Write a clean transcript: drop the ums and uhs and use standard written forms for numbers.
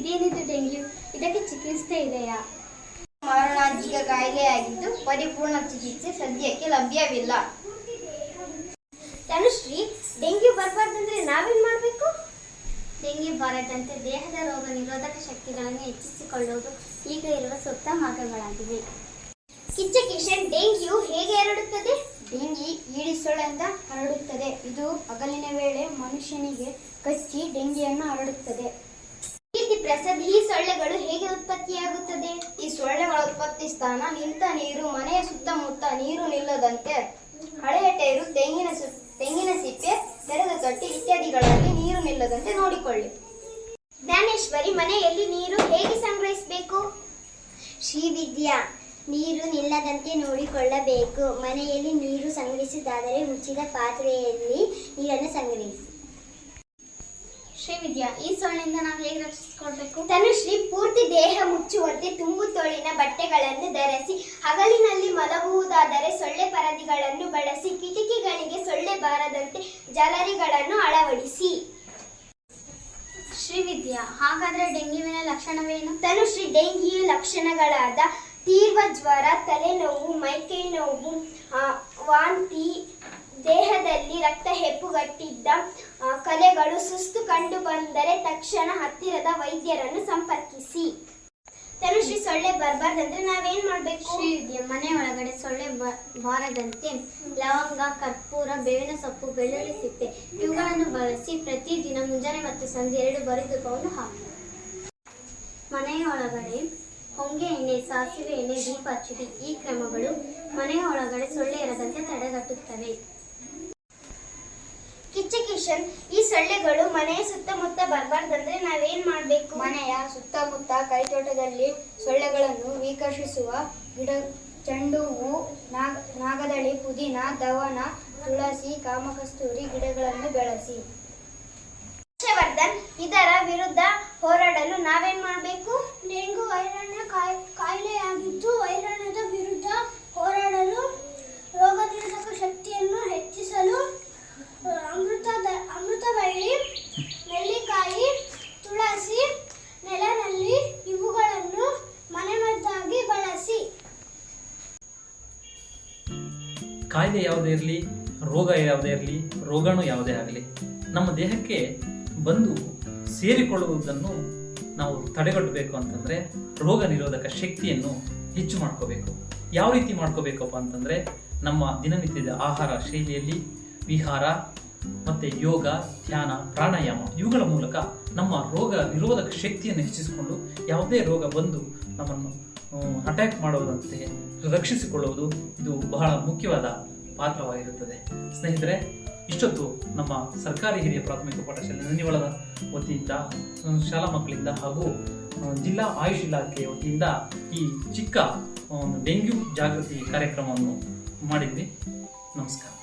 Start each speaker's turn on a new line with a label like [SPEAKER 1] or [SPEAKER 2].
[SPEAKER 1] ಏನಿದು ಡೆಂಗ್ಯೂ? ಇದಕ್ಕೆ ಚಿಕಿತ್ಸೆ ಇದೆಯಾ?
[SPEAKER 2] ಮಾರಣಾಂತಿಕ ಕಾಯಿಲೆಯಾಗಿದ್ದು ಪರಿಪೂರ್ಣ ಚಿಕಿತ್ಸೆ ಸದ್ಯಕ್ಕೆ ಲಭ್ಯವಿಲ್ಲ.
[SPEAKER 1] ತನುಶ್ರೀ, ಡೆಂಗ್ಯೂ ಬರಬಾರ್ದಂದ್ರೆ ನಾವೇನ್ ಮಾಡಬೇಕು? ಡೆಂಗ್ಯೂ ಬಾರದಂತೆ ದೇಹದ ರೋಗ ನಿರೋಧಕ ಶಕ್ತಿಗಳನ್ನು ಹೆಚ್ಚಿಸಿಕೊಳ್ಳುವುದು ಈಗ ಇರುವ ಸೂಕ್ತ ಮಾರ್ಗಗಳಾಗಿವೆ. ಕಿಚ್ಚಕಿಶನ್, ಡೆಂಗ್ಯೂ ಹೇಗೆ ಹರಡುತ್ತದೆ?
[SPEAKER 2] ಡೆಂಗಿ ಈಡಿಸ್ ಸೊಳ್ಳೆಯಿಂದ ಹರಡುತ್ತದೆ. ಇದು ಹಗಲಿನ ವೇಳೆ ಮನುಷ್ಯನಿಗೆ ಕಚ್ಚಿ ಡೆಂಗಿಯನ್ನು ಹರಡುತ್ತದೆ.
[SPEAKER 1] ಕೀರ್ತಿ ಪ್ರಸಾದ್, ಈ ಸೊಳ್ಳೆಗಳು ಹೇಗೆ ಉತ್ಪತ್ತಿಯಾಗುತ್ತದೆ?
[SPEAKER 2] ಈ ಸೊಳ್ಳೆಗಳ ಉತ್ಪತ್ತಿ ಸ್ಥಾನ ನಿಂತ ನೀರು, ಮನೆಯ ಸುತ್ತಮುತ್ತ ನೀರು ನಿಲ್ಲದಂತೆ ಹಳೆಯ ಟೈರು, ತೆಂಗಿನ ಸಿಪ್ಪೆ, ತೆರೆದ ತೊಟ್ಟಿ ಇತ್ಯಾದಿಗಳಲ್ಲಿ ನೀರು ನಿಲ್ಲದಂತೆ ನೋಡಿಕೊಳ್ಳಿ.
[SPEAKER 1] ಜ್ಞಾನೇಶ್ವರಿ, ಮನೆಯಲ್ಲಿ ನೀರು ಹೇಗೆ ಸಂಗ್ರಹಿಸಬೇಕು?
[SPEAKER 3] ಶ್ರೀವಿದ್ಯಾ, ನೀರು ನಿಲ್ಲದಂತೆ ನೋಡಿಕೊಳ್ಳಬೇಕು. ಮನೆಯಲ್ಲಿ ನೀರು ಸಂಗ್ರಹಿಸುವುದಾದರೆ ಮುಚ್ಚಿದ ಪಾತ್ರೆಯಲ್ಲಿ ನೀರನ್ನು ಸಂಗ್ರಹಿಸಿ.
[SPEAKER 1] ಶ್ರೀವಿದ್ಯಾ, ಈ ಸೊಳ್ಳೆಯಿಂದ ನಾವು ಹೇಗೆ ರಕ್ಷಿಸಿಕೊಳ್ಬೇಕು?
[SPEAKER 3] ತನುಶ್ರೀ, ಪೂರ್ತಿ ದೇಹ ಮುಚ್ಚುವಂತೆ ತುಂಬು ತೋಳಿನ ಬಟ್ಟೆಗಳನ್ನು ಧರಿಸಿ. ಹಗಲಿನಲ್ಲಿ ಮಲಗುವುದಾದರೆ ಸೊಳ್ಳೆ ಪರದೆಗಳನ್ನು ಬಳಸಿ. ಕಿಟಕಿಗಳಿಗೆ ಸೊಳ್ಳೆ ಬಾರದಂತೆ ಜಾಲರಿಗಳನ್ನು ಅಳವಡಿಸಿ.
[SPEAKER 1] ಶ್ರೀವಿದ್ಯಾ, ಹಾಗಾದ್ರೆ ಡೆಂಗ್ಯೂವಿನ ಲಕ್ಷಣವೇನು?
[SPEAKER 3] ತನುಶ್ರೀ, ಡೆಂಗ್ಯೂ ಲಕ್ಷಣಗಳಾದ ತೀವ್ರ ಜ್ವರ, ತಲೆನೋವು, ಮೈಕೈ ನೋವು, ವಾಂತಿ, ದೇಹದಲ್ಲಿ ರಕ್ತ ಹೆಪ್ಪುಗಟ್ಟಿದ್ದ ಕಲೆಗಳು, ಸುಸ್ತು ಕಂಡು ಬಂದರೆ ತಕ್ಷಣ ಹತ್ತಿರದ ವೈದ್ಯರನ್ನು ಸಂಪರ್ಕಿಸಿ. ತನುಶ್ರೀ, ಸೊಳ್ಳೆ ಬರಬಾರ್ದಂದ್ರೆ ನಾವೇನ್ ಮಾಡ್ಬೇಕು?
[SPEAKER 1] ಶ್ರೀವಿದ್ಯಾ, ಮನೆ ಒಳಗಡೆ ಸೊಳ್ಳೆ ಬಾರದಂತೆ ಲವಂಗ, ಕರ್ಪೂರ, ಬೇವಿನ ಸೊಪ್ಪು, ಬೆಳ್ಳುಳ್ಳಿ ಸಿಪ್ಪೆ ಇವುಗಳನ್ನು ಬಳಸಿ ಪ್ರತಿದಿನ ಮುಂಜಾನೆ ಮತ್ತು ಸಂಜೆ 2 ಬರಿದುಕೊಂಡು ಹಾಕಿ. ಮನೆಯ ಒಳಗಡೆ ಹೊಂಗೆ ಎಣ್ಣೆ, ಸಾಸಿವೆ ಎಣ್ಣೆ, ದೀಪ ಹಚ್ಚಿಡಿ. ಈ ಕ್ರಮಗಳು ಮನೆಯ ಒಳಗಡೆ ಸೊಳ್ಳೆ ಇರದಂತೆ ತಡೆಗಟ್ಟುತ್ತವೆ.
[SPEAKER 3] ಕಿಚ್ಚಕಿಶನ್, ಈ ಸೊಳ್ಳೆಗಳು ಮನೆಯ ಸುತ್ತಮುತ್ತ ಬರಬಾರ್ದಂದ್ರೆ ನಾವೇನ್ ಮಾಡ್ಬೇಕು?
[SPEAKER 2] ಮನೆಯ ಸುತ್ತಮುತ್ತ ಕೈತೋಟದಲ್ಲಿ ಸೊಳ್ಳೆಗಳನ್ನು ವಿಕರ್ಷಿಸುವ ಗಿಡ, ಚೆಂಡು ಹೂ, ನಾಗದಳಿ, ಪುದೀನ, ದವನ, ತುಳಸಿ, ಕಾಮಕಸ್ತೂರಿ ಗಿಡಗಳನ್ನು ಬೆಳೆಸಿ.
[SPEAKER 3] ಹರ್ಷವರ್ಧನ್, ಇದರ ವಿರುದ್ಧ ಹೋರಾಡಲು ನಾವೇನ್ ಮಾಡಬೇಕು?
[SPEAKER 1] ಡೆಂಗು ವೈರಾಣು ಕಾಯಿಲೆಯಾಗಿದ್ದು ವೈರಾಣುದ ವಿರುದ್ಧ ಹೋರಾಡಲು ರೋಗ ನಿರೋಧಕ ಶಕ್ತಿಯನ್ನು ಹೆಚ್ಚಿಸಲು ಅಮೃತಬಳ್ಳಿ, ನೆಲ್ಲಿಕಾಯಿ, ತುಳಸಿ, ನೆಲನಲ್ಲಿ ಇವುಗಳನ್ನು ಮನೆಮದ್ದಾಗಿ ಬಳಸಿ.
[SPEAKER 4] ಕಾಯಿಲೆ ಯಾವುದೇ ಇರಲಿ, ರೋಗ ಯಾವುದೇ ಇರಲಿ, ರೋಗಾಣು ಯಾವುದೇ ಆಗಲಿ, ನಮ್ಮ ದೇಹಕ್ಕೆ ಬಂದು ಸೇರಿಕೊಳ್ಳುವುದನ್ನು ನಾವು ತಡೆಗಟ್ಟಬೇಕು ಅಂತಂದ್ರೆ ರೋಗ ನಿರೋಧಕ ಶಕ್ತಿಯನ್ನು ಹೆಚ್ಚು ಮಾಡ್ಕೋಬೇಕು. ಯಾವ ರೀತಿ ಮಾಡ್ಕೋಬೇಕಪ್ಪ ಅಂತಂದ್ರೆ ನಮ್ಮ ದಿನನಿತ್ಯದ ಆಹಾರ ಶೈಲಿಯಲ್ಲಿ ವಿಹಾರ ಮತ್ತೆ ಯೋಗ, ಧ್ಯಾನ, ಪ್ರಾಣಾಯಾಮ ಇವುಗಳ ಮೂಲಕ ನಮ್ಮ ರೋಗ ನಿರೋಧಕ ಶಕ್ತಿಯನ್ನು ಹೆಚ್ಚಿಸಿಕೊಂಡು ಯಾವುದೇ ರೋಗ ಬಂದು ನಮ್ಮನ್ನು ಅಟ್ಯಾಕ್ ಮಾಡುವುದಂತೆ ರಕ್ಷಿಸಿಕೊಳ್ಳುವುದು ಇದು ಬಹಳ ಮುಖ್ಯವಾದ ಪಾತ್ರವಾಗಿರುತ್ತದೆ. ಸ್ನೇಹಿತರೆ, ಇಷ್ಟೊತ್ತು ನಮ್ಮ ಸರ್ಕಾರಿ ಹಿರಿಯ ಪ್ರಾಥಮಿಕ ಪಾಠಶಾಲೆ ನಂದಿವಳದ ವತಿಯಿಂದ ಶಾಲಾ ಮಕ್ಕಳಿಂದ ಹಾಗೂ ಜಿಲ್ಲಾ ಆಯುಷ್ ಇಲಾಖೆಯ ವತಿಯಿಂದ ಈ ಚಿಕ್ಕ ಡೆಂಗ್ಯೂ ಜಾಗೃತಿ ಕಾರ್ಯಕ್ರಮವನ್ನು ಮಾಡಿದ್ವಿ. ನಮಸ್ಕಾರ.